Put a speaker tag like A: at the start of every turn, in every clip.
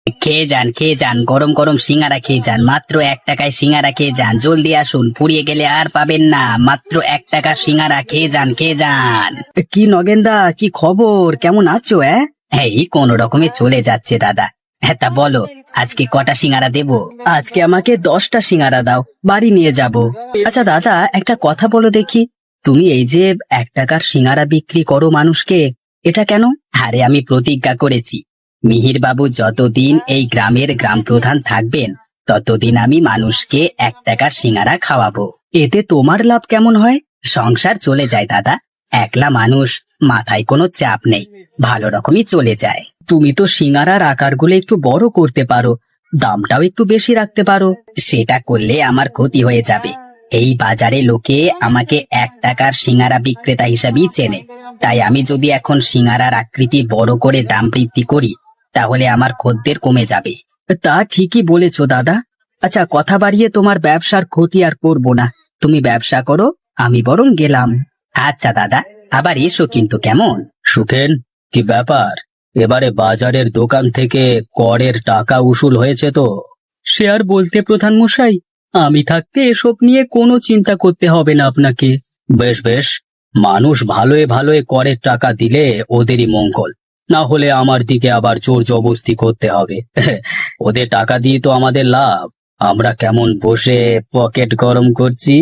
A: খেয়ে যান, গরম গরম সিঙ্গারা খেয়ে যান। মাত্র 1 টাকায় সিঙ্গারা খেয়ে যান, জলদি আসুন, ফুরিয়ে গেলে আর পাবেন না। মাত্র 1 টাকার সিঙ্গারা খেয়ে যান। কি নগেনদা, কি খবর, কেমন আছো? এই কোনো রকমে চলে যাচ্ছে দাদা। হ্যাঁ, তা বলো আজকে কটা সিঙ্গারা দেবো? আজকে আমাকে 10টা সিঙ্গারা দাও, বাড়ি নিয়ে যাব। আচ্ছা দাদা, একটা কথা বলো দেখি, তুমি এই যে 1 টাকার সিঙ্গারা বিক্রি করো মানুষকে, এটা কেন? আরে আমি প্রতিজ্ঞা করেছি, মিহির বাবু যতদিন এই গ্রামের গ্রাম প্রধান থাকবেন ততদিন আমি মানুষকে 1 টাকার সিঙ্গারা খাওয়াবো। এতে তোমার লাভ কেমন হয়? সংসার চলে যায় দাদা, একলা মানুষ, মাথায় কোনো চাপ নেই, ভালো রকমই চলে যায়। তুমি তো সিঙ্গারার আকারগুলো একটু বড় করতে পারো, দামটাও একটু বেশি রাখতে পারো। সেটা করলে আমার ক্ষতি হয়ে যাবে। এই বাজারে লোকে আমাকে 1 টাকার সিঙ্গারা বিক্রেতা হিসাবেই চেনে, তাই আমি যদি এখন সিঙ্গারার আকৃতি বড় করে দাম বৃদ্ধি করি তাহলে আমার খদ্দের কমে যাবে। তা ঠিকই বলেছো দাদা। আচ্ছা, কথা বাড়িয়ে তোমার ব্যবসার ক্ষতি আর করব না, তুমি ব্যবসা করো, আমি বরং গেলাম। আচ্ছা দাদা, আবার এসো কিন্তু, কেমন? সুখেন, কি ব্যাপার, এবারে বাজারের দোকান থেকে করের টাকা উসুল হয়েছে তো? সে আর বলতে প্রধান মশাই, আমি থাকতে এসব নিয়ে কোনো চিন্তা করতে হবে না আপনাকে। বেশ বেশ, মানুষ ভালোয় ভালোয় করের টাকা দিলে ওদেরই মঙ্গল, না হলে আমার দিকে আবার জোর জবরদস্তি করতে হবে। ওদের টাকা দিয়ে তো আমাদের লাভ, আমরা কেমন বসে পকেট গরম করছি।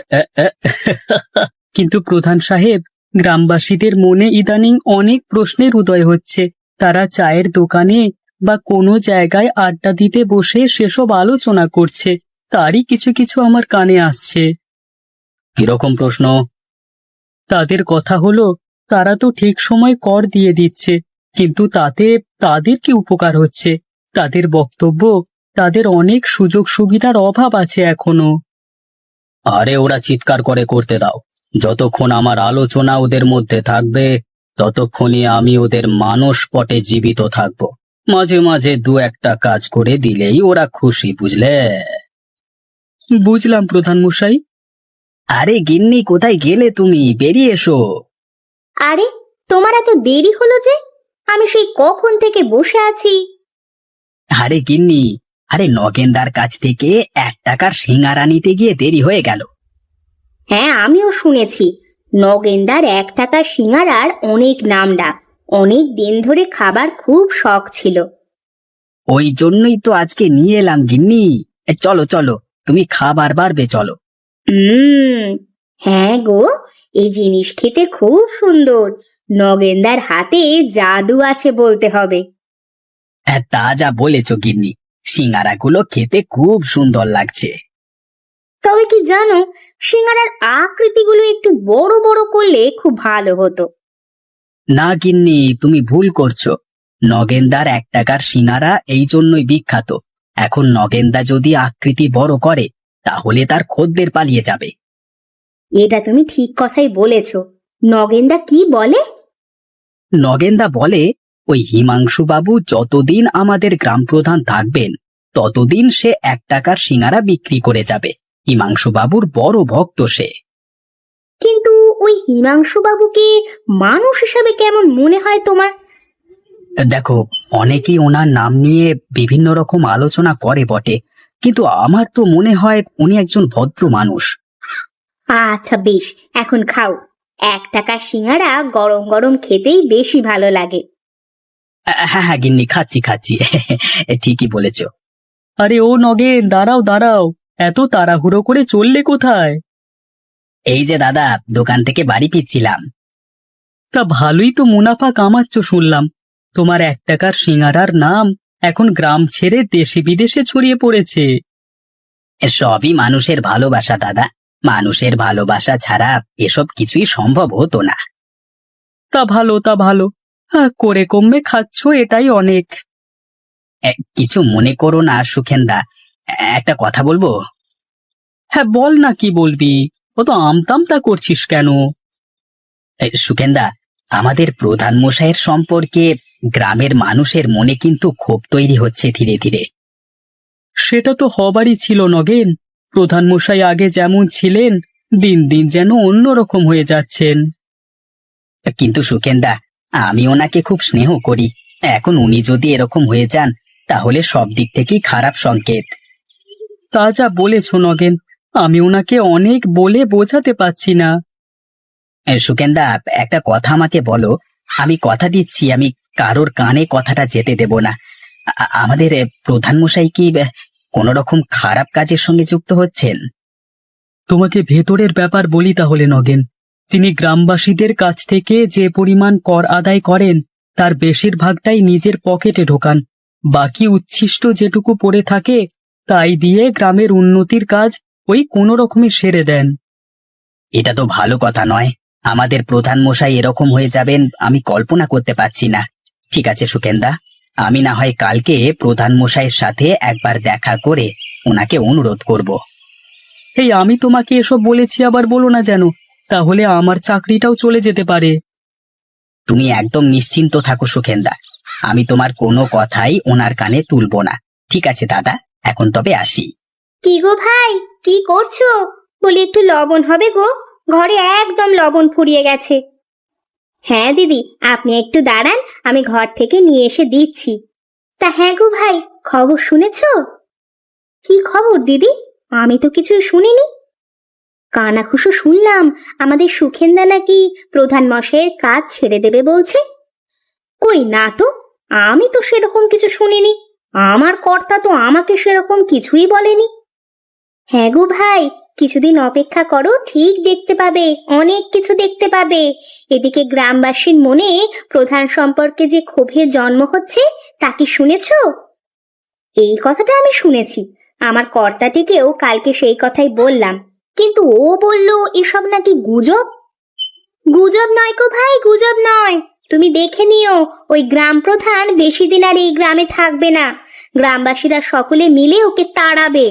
A: কিন্তু প্রধান সাহেব, গ্রামবাসীদের মনে ইদানিং অনেক প্রশ্নের উদয় হচ্ছে। তারা চায়ের দোকানে বা কোনো জায়গায় আড্ডা দিতে বসে সেসব আলোচনা করছে, তারই কিছু কিছু আমার কানে আসছে। কিরকম প্রশ্ন? তাদের কথা হলো, তারা তো ঠিক সময় কর দিয়ে দিচ্ছে, কিন্তু তাতে তাদের কি উপকার হচ্ছে? তাদের বক্তব্য, তাদের অনেক সুযোগ সুবিধার অভাব আছে এখনো। আরে ওরা চিৎকার করে করতে দাও, যতক্ষণ আমার আলোচনা ওদের মধ্যে থাকবে ততক্ষণই আমি ওদের মানসপটে জীবিত থাকব। মাঝে মাঝে 2-1টা কাজ করে দিলেই ওরা খুশি, বুঝলে? বুঝলাম প্রধান মশাই। আরে গিন্নি, কোথায় গেলে তুমি? বেরিয়ে এসো।
B: আরে, তোমার এত দেরি হলো যে? আমি সেই কখন থেকে বসে আছি।
A: আরে গিন্নি, আরে নগেনদার কাছ থেকে 1 টাকার সিঙ্গারা নিতে গিয়ে দেরি হয়ে গেল।
B: হ্যাঁ, আমিও শুনেছি নগেনদার 1 টাকার সিঙ্গারার অনেক নাম ডাক, অনেক দিন ধরে খাবার খুব শখ ছিল।
A: ওই জন্যই তো আজকে নিয়ে এলাম গিন্নি। চলো চলো, তুমি খাবার বাড়বে, চলো।
B: হ্যাঁ গো, এই জিনিস খেতে খুব সুন্দর। নগেনদার হাতে জাদু আছে বলতে হবে।
A: হ্যাঁ, তা যা বলেছ গিন্নি, সিঙ্গারাগুলো খেতে খুব সুন্দর লাগছে।
B: তবে কি জানো, সিঙ্গারার আকৃতিগুলো একটু বড় বড় করলে খুব ভালো হতো।
A: না গিন্নি, তুমি ভুল করছো। নগেনদার 1 টাকার সিঙ্গারা এই জন্যই বিখ্যাত। এখন নগেনদা যদি আকৃতি বড় করে তাহলে তার খদ্দের পালিয়ে যাবে।
B: এটা তুমি ঠিক কথাই বলেছ। নগেনদা কি বলে?
A: নগেনদা বলে, ওই হিমাংশু বাবু যতদিন আমাদের গ্রাম প্রধান থাকবেন ততদিন সে 1 টাকার সিঙ্গারা বিক্রি করে যাবে। হিমাংশু বাবুর বড় ভক্ত সে।
B: কিন্তু ওই হিমাংশু বাবুকে মানুষ হিসাবে কেমন মনে হয় তোমার?
A: দেখো, অনেকেই ওনার নাম নিয়ে বিভিন্ন রকম আলোচনা করে বটে, কিন্তু আমার তো মনে হয় উনি একজন ভদ্র মানুষ।
B: আচ্ছা বেশ, এখন খাও। 1 টাকার সিঙ্গারা গরম গরম খেতেই বেশি ভালো লাগে।
A: হ্যাঁ হ্যাঁ গিন্নি, খাচ্ছি খাচ্ছি। ঠিকই বলেছ। আরে ও নগেন, দাঁড়াও দাঁড়াও, এত তাড়াহুড়ো করে চললে কোথায়? এই যে দাদা, দোকান থেকে বাড়ি ফিরছিলাম। তা ভালোই তো মুনাফা কামাচ্ছ শুনলাম। তোমার 1 টাকার সিঙ্গারার নাম এখন গ্রাম ছেড়ে দেশে বিদেশে ছড়িয়ে পড়েছে। সবই মানুষের ভালোবাসা দাদা, মানুষের ভালোবাসা ছাড়া এসব কিছুই সম্ভব হতো না। তা ভালো, তা ভালো, করে কমবে খাচ্ছ, এটাই অনেক। কিছু মনে করো না সুখেনদা, একটা কথা বলবো? হ্যাঁ বল না, কি বলবি? ও তো আমতামতা করছিস কেন? সুখেনদা, আমাদের প্রধান মশাইয়ের সম্পর্কে গ্রামের মানুষের মনে কিন্তু ক্ষোভ তৈরি হচ্ছে ধীরে ধীরে। সেটা তো হবারই ছিল নগেন। প্রধান মশাই আগে যেমন ছিলেন দিন দিন যেন অন্যরকম হয়ে যাচ্ছেন। কিন্তু সুখেনদা, আমি ওনাকে খুব স্নেহ করি, এখন উনি যদি এরকম হয়ে যান তাহলে সব দিক থেকেই খারাপ সংকেত। তা যা বলেছ নগেন, আমি ওনাকে অনেক বলে বোঝাতে পারছি না। সুকেন্দা, একটা কথা আমাকে বলো, আমি কথা দিচ্ছি আমি কারোর কানে কথাটা যেতে দেব না। আমাদের প্রধান মশাই কি কোনো রকম খারাপ কাজের সঙ্গে যুক্ত হচ্ছেন? তোমাকে ভেতরের ব্যাপার বলি তাহলে নগেন। তিনি গ্রামবাসীদের কাছ থেকে যে পরিমাণ কর আদায় করেন তার বেশিরভাগটাই নিজের পকেটে ঢোকান। বাকি উচ্ছিষ্ট যেটুকু পড়ে থাকে তাই দিয়ে গ্রামের উন্নতির কাজ ওই কোনো রকমে সেরে দেন। এটা তো ভালো কথা নয়। আমাদের প্রধান মশাই এরকম হয়ে যাবেন আমি কল্পনা করতে পারছি না। ঠিক আছে সুকেন্দা, আমি না হয় কালকে প্রধান মশাইয়ের সাথে একবার দেখা করে ওনাকে অনুরোধ করব। এই আমি তোমাকে এসব বলেছি আবার বলো না যেন, তাহলে আমার চাকরিটাও চলে যেতে পারে। তুমি একদম নিশ্চিন্ত থাকো সুকেন্দা, আমি তোমার কোনো কথাই ওনার কানে তুলবো না। ঠিক আছে দাদা, এখন তবে আসি।
B: কি গো ভাই, কি করছো? বলি একটু লবণ হবে গো, ঘরে একদম লবণ ফুরিয়ে গেছে। হ্যাঁ দিদি, আপনি একটু দাঁড়ান, আমি ঘর থেকে নিয়ে এসে দিচ্ছি। তা হ্যাঁ গো ভাই, খবর শুনেছো? কি খবর দিদি? আমি তো কিছুই শুনিনি। কানাঘুষো শুনলাম আমাদের সুখেন্দা নাকি প্রধান মশাইয়ের কাজ ছেড়ে দেবে বলছে। কই না তো, আমি তো সেরকম কিছু শুনিনি। আমার কর্তা তো আমাকে সেরকম কিছুই বলেনি। হ্যাঁ গো ভাই, কিছুদিন অপেক্ষা করো, ঠিক দেখতে পাবে, অনেক কিছু দেখতে পাবে। এদিকে গ্রামবাসীর মনে প্রধান সম্পর্কে যে ক্ষোভের জন্ম হচ্ছে তা কি শুনেছো? এই কথাটা আমি শুনেছি, আমার কর্তাটিকেও কালকে সেই কথাই বললাম, কিন্তু ও বলল এসব নাকি গুজব। গুজব নয় গো ভাই, গুজব নয়। তুমি দেখে নিও, ওই গ্রাম প্রধান বেশি দিন আর এই গ্রামে থাকবে না। গ্রামবাসীরা সকলে মিলে ওকে তাড়াবে।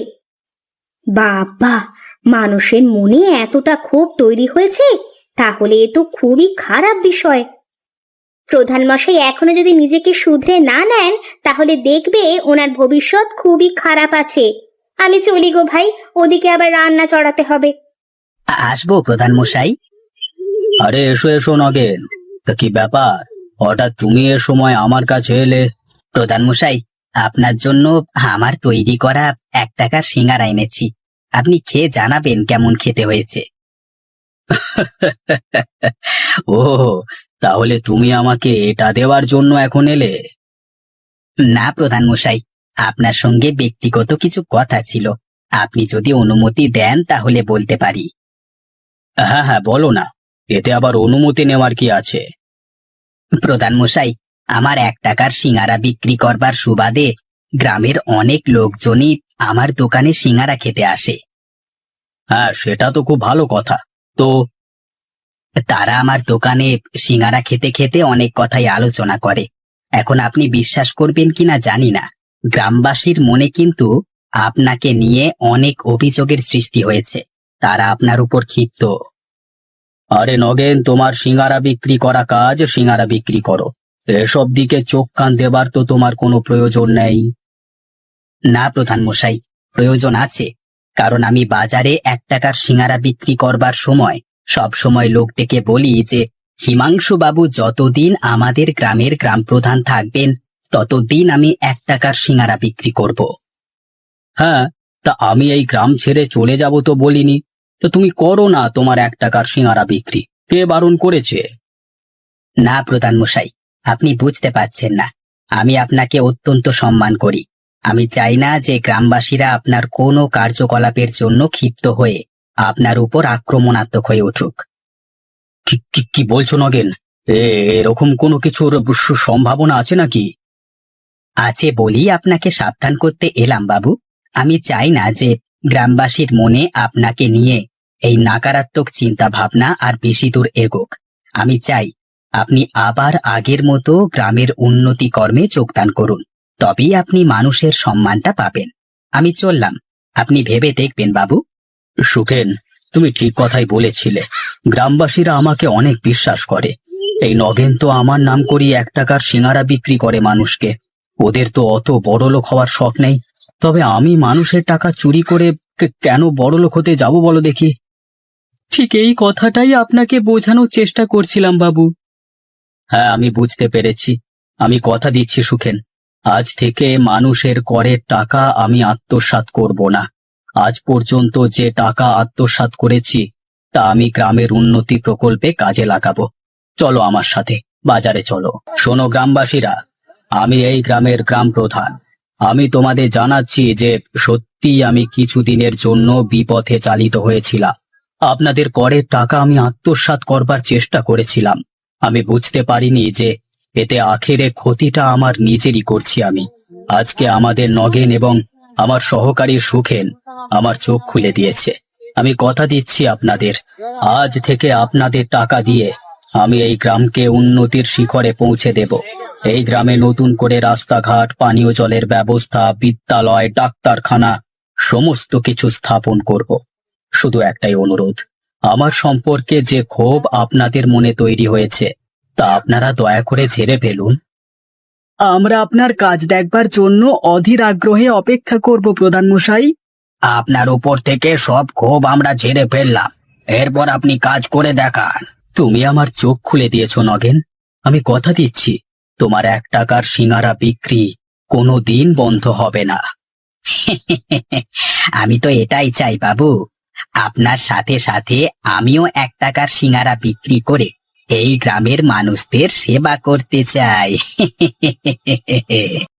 B: বাবা, মানুষের মনে এতটা ক্ষোভ তৈরি হয়েছে, তাহলে এ তো খুবই খারাপ বিষয়। প্রধান মশাই এখনো যদি নিজেকে শুধরে না নেন তাহলে দেখবে ওনার ভবিষ্যৎ খুবই খারাপ আছে। আমি চলি গো ভাই, ওদিকে আবার রান্না চড়াতে হবে।
A: আসবো প্রধান মশাই। আরে এসো এসো নগেন, তা কি ব্যাপার, হঠাৎ তুমি এ সময় আমার কাছে এলে? প্রধান মশাই, আপনার জন্য আমার তৈরি করা 1 টাকার সিঙ্গারা এনেছি, আপনি খেয়ে জানাবেন কেমন খেতে হয়েছে। ও, তাহলে তুমি আমাকে এটা দেওয়ার জন্য এখন এলে? না প্রধান মশাই, আপনার সঙ্গে ব্যক্তিগত কিছু কথা ছিল, আপনি যদি অনুমতি দেন তাহলে বলতে পারি। হ্যাঁ হ্যাঁ, বলো না, এতে আবার অনুমতি নেওয়ার কি আছে? প্রধান মশাই, আমার 1 টাকার সিঙ্গারা বিক্রি করবার সুবাদে গ্রামের অনেক লোকজনই আমার দোকানে সিঙ্গারা খেতে আসে। হ্যাঁ, সেটা তো খুব ভালো কথা। তো তারা আমার দোকানে সিঙ্গারা খেতে খেতে অনেক কথাই আলোচনা করে। এখন আপনি বিশ্বাস করবেন কিনা জানি না, গ্রামবাসীর মনে কিন্তু আপনাকে নিয়ে অনেক অভিযোগের সৃষ্টি হয়েছে। তারা আপনার উপর ক্ষিপ্ত। আরে নগেন, তোমার সিঙ্গারা বিক্রি করা কাজ সিঙ্গারা বিক্রি করো, এসব দিকে চোখ কান দেবার তো তোমার কোনো প্রয়োজন নেই। না প্রধান মশাই, প্রয়োজন আছে, কারণ আমি বাজারে 1 টাকার সিঙ্গারা বিক্রি করবার সময় সব সময় লোক ডেকে বলি যে হিমাংশু বাবু যতদিন আমাদের গ্রামের গ্রাম প্রধান থাকবেন ততদিন আমি 1 টাকার সিঙ্গারা বিক্রি করব। হ্যাঁ, তা আমি এই গ্রাম ছেড়ে চলে যাব তো বলিনি, তো তুমি করো না তোমার 1 টাকার সিঙ্গারা বিক্রি, কে বারণ করেছে? না প্রধান মশাই, আপনি বুঝতে পারছেন না, আমি আপনাকে অত্যন্ত সম্মান করি। আমি চাই না যে গ্রামবাসীরা আপনার কোনো কার্যকলাপের জন্য ক্ষিপ্ত হয়ে আপনার উপর আক্রমণাত্মক হয়ে উঠুক। কি বলছো নগেন? এরকম কোনো কিছুর সম্ভাবনা আছে নাকি? আছে বলি আপনাকে সাবধান করতে এলাম বাবু। আমি চাই না যে গ্রামবাসীর মনে আপনাকে নিয়ে এই নকারাত্মক চিন্তা ভাবনা আর বেশি দূর এগোক। আমি চাই আপনি আবার আগের মতো গ্রামের উন্নতি কর্মে যোগদান করুন, তবেই আপনি মানুষের সম্মানটা পাবেন। আমি চললাম, আপনি ভেবে দেখবেন বাবু। সুখেন, তুমি ঠিক কথাই বলেছিলে, গ্রামবাসীরা আমাকে অনেক বিশ্বাস করে। এই নগেন তো আমার নাম করি 1 টাকার সিঙ্গারা বিক্রি করে মানুষকে, ওদের তো অত বড়লোক হওয়ার শখ নেই। তবে আমি মানুষের টাকা চুরি করে কেন বড়লোক হতে যাব বলো দেখি? ঠিক এই কথাটাই আপনাকে বোঝানোর চেষ্টা করছিলাম বাবু। হ্যাঁ, আমি বুঝতে পেরেছি। আমি কথা দিচ্ছি সুখেন, আজ থেকে মানুষের করের টাকা আমি আত্মসাৎ করব না। আজ পর্যন্ত যে টাকা আত্মসাৎ করেছি তা আমি গ্রামের উন্নতি প্রকল্পে কাজে লাগাবো। চলো আমার সাথে, বাজারে চলো। শোনো গ্রামবাসীরা, আমি এই গ্রামের গ্রাম প্রধান। আমি তোমাদের জানাচ্ছি যে সত্যি আমি কিছুদিনের জন্য বিপথে চালিত হয়েছিলাম। আপনাদের করের টাকা আমি আত্মসাৎ করবার চেষ্টা করেছিলাম। আমি বুঝতে পারিনি যে এতে আখেরে ক্ষতিটা আমার নিজেরই করছি আমি। আজকে আমাদের নগেন এবং আমার সহকারী সুখেন আমার চোখ খুলে দিয়েছে। আমি কথা দিচ্ছি আপনাদের, আজ থেকে আপনাদের টাকা দিয়ে আমি এই গ্রামকে উন্নতির শিখরে পৌঁছে দেব। এই গ্রামে নতুন করে রাস্তাঘাট, পানীয় জলের ব্যবস্থা, বিদ্যালয়, ডাক্তারখানা সমস্ত কিছু স্থাপন করব। শুধু একটাই অনুরোধ, আমার সম্পর্কে যে ক্ষোভ আপনাদের মনে তৈরি হয়েছে তা আপনারা দয়া করে ঝেড়ে ফেলুন। আমরা আপনার কাজ দেখবার জন্য অধীর আগ্রহে অপেক্ষা করব প্রধান মশাই। আপনার উপর থেকে সব ক্ষোভ আমরা ঝেড়ে ফেললাম, এরপর আপনি কাজ করে দেখান। তুমি আমার চোখ খুলে দিয়েছো নগেন। আমি কথা দিচ্ছি তোমার 1 টাকার সিঙারা বিক্রি কোনো দিন বন্ধ হবে না। আমি তো এটাই চাই বাবু, আপনার সাথে সাথে আমিও 1 টাকার সিঙারা বিক্রি করে এই গ্রামের মানুষদের সেবা করতে চাই।